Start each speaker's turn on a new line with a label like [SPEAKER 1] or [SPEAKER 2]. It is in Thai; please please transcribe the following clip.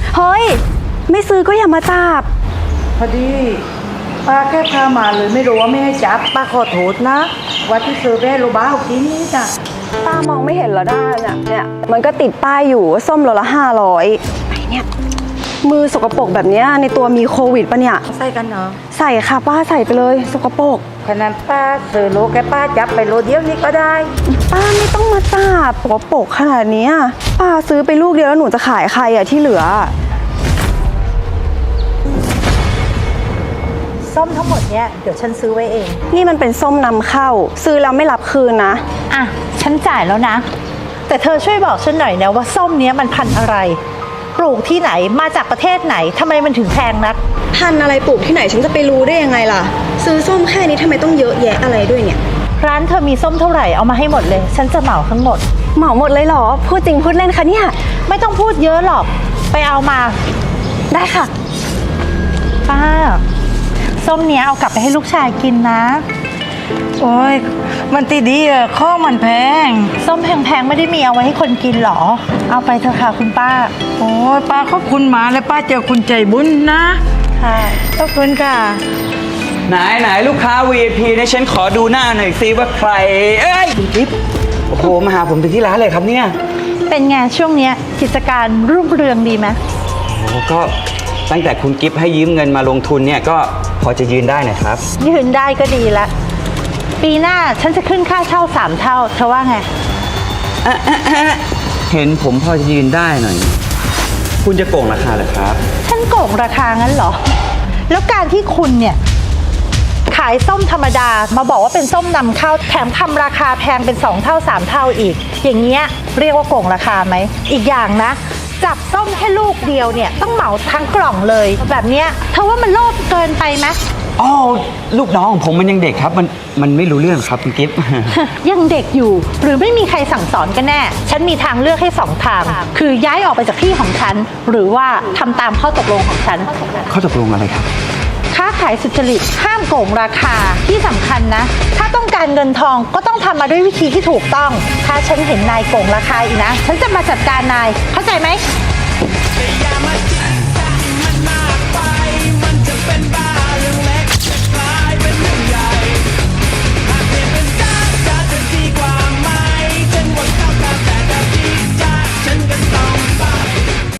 [SPEAKER 1] เฮ้ยไม่ซื้อก็อย่ามาจับ
[SPEAKER 2] พอดีป้าแค่พามาเลยไม่รู้ว่าไม่ให้จับป้าขอโทษนะว่าที่ซื้อไปให้โรบ้ากินนี่จ้ะ
[SPEAKER 1] ป้ามองไม่เห็นแล้วได้เนี่ยมันก็ติดป้ายอยู่ว่าส้มโลละ500ไหนเนี่ยมือสกปรกแบบนี้ในตัวมีโควิดปะเนี่ย
[SPEAKER 2] ใส่กันเนาะ
[SPEAKER 1] ใส่ค่ะป้าใส่ไปเลยสกปรก
[SPEAKER 2] ขนาดป้าซื้อโลแค่ป้าจับไปโลเดียวนี่ก็ได้
[SPEAKER 1] ป้าไม่ต้องมาจับสกปรกขนาดนี้ป้าซื้อไปลูกเดียวแล้วหนูจะขายใครอะที่เหลือ
[SPEAKER 3] ส้มทั้งหมดเนี่ยเดี๋ยวฉันซื้อไว้เอง
[SPEAKER 1] นี่มันเป็นส้มนำเข้าซื้อแล้วไม่รับคืนนะ
[SPEAKER 3] อ่ะฉันจ่ายแล้วนะ แต่เธอช่วยบอกฉันหน่อยนะว่าส้มเนี้ยมันพันธุ์อะไร ปลูกที่ไหนมาจากประเทศไหนทำไมมันถึงแพงนัก
[SPEAKER 1] พันอะไรปลูกที่ไหนฉันจะไปรู้ได้ยังไงล่ะซื้อส้มแค่นี้ทำไมต้องเยอะแยะอะไรด้วยเนี่ย
[SPEAKER 3] ร้านเธอมีส้มเท่าไหร่เอามาให้หมดเลย ฉันจะเหมาทั้งหมด
[SPEAKER 1] เหมาหมดเลยเหรอพูดจริงพูดเล่นคะเนี่ย
[SPEAKER 3] ไม่ต้องพูดเยอะหรอกไปเอามา
[SPEAKER 1] ได้ค่ะ
[SPEAKER 3] ป้าส้มเนี้ยเอากลับไปให้ลูกชายกินนะ
[SPEAKER 2] โอ้ยมันตีดีอะข้องมันแพง
[SPEAKER 3] ส้มแพงๆไม่ได้มีเอาไว้ให้คนกินหรอ เอาไปเถอะค่ะคุณป้า
[SPEAKER 2] โอ้ยป้าขอบคุณหมาและป้าเจอคุณใจบุญนะ
[SPEAKER 3] ค่ะ
[SPEAKER 2] ขอบคุณค่ะ
[SPEAKER 4] ไหนลูกค้า VIP เนี่ยฉันขอดูหน้าหน่อยซิว่าใครเอ้ยคุณกิ๊บโอ้โหมาหาผมถึงที่ร้านเลยครับเนี่ย
[SPEAKER 3] เป็นไงช่วงเนี้ยกิจการรุ่งเรืองดีไหม
[SPEAKER 4] โอ้ก็ตั้งแต่คุณกิ๊บให้ยืมเงินมาลงทุนเนี่ยก็พอจะยืนได้นะครับ
[SPEAKER 3] ยืนได้ก็ดีละปีหน้าฉันจะขึ้นค่าเช่า3 เท่าเธอว่าไง
[SPEAKER 4] เห็นผมพอจะยืนได้หน่อย คุณจะโกงราคาเหรอครับ
[SPEAKER 3] ฉันโกงราคางั้นเหรอ แล้วการที่คุณเนี่ยขายส้มธรรมดามาบอกว่าเป็นส้มนำเข้าแถมทำราคาแพงเป็น2 เท่า3 เท่าอีก อย่างเงี้ยเรียกว่าโกงราคาไหมอีกอย่างนะจับส้มแค่ลูกเดียวเนี่ยต้องเหมาทั้งกล่องเลยแบบเนี้ยเธอว่ามันโลภเกินไปไหม
[SPEAKER 4] อ๋อลูกน้องของผมมันยังเด็กครับมันไม่รู้เรื่องครับคุณกิ๊บ
[SPEAKER 3] ยังเด็กอยู่หรือไม่มีใครสั่งสอนกันแน่ ฉันมีทางเลือกให้2 ทาง คือย้ายออกไปจากที่ของฉัน หรือว่าทำตามข้อตกลงของฉัน
[SPEAKER 4] เขาตกลงอะไรครับ
[SPEAKER 3] ค้าขายสุจริตห้ามโกงราคาที่สำคัญนะ ถ้าต้องการเงินทองก็ต้องทำมาด้วยวิธีที่ถูกต้อง ถ้าฉันเห็นนายโกงราคาอีกนะ ฉันจะมาจัดการนายเข้าใจไหม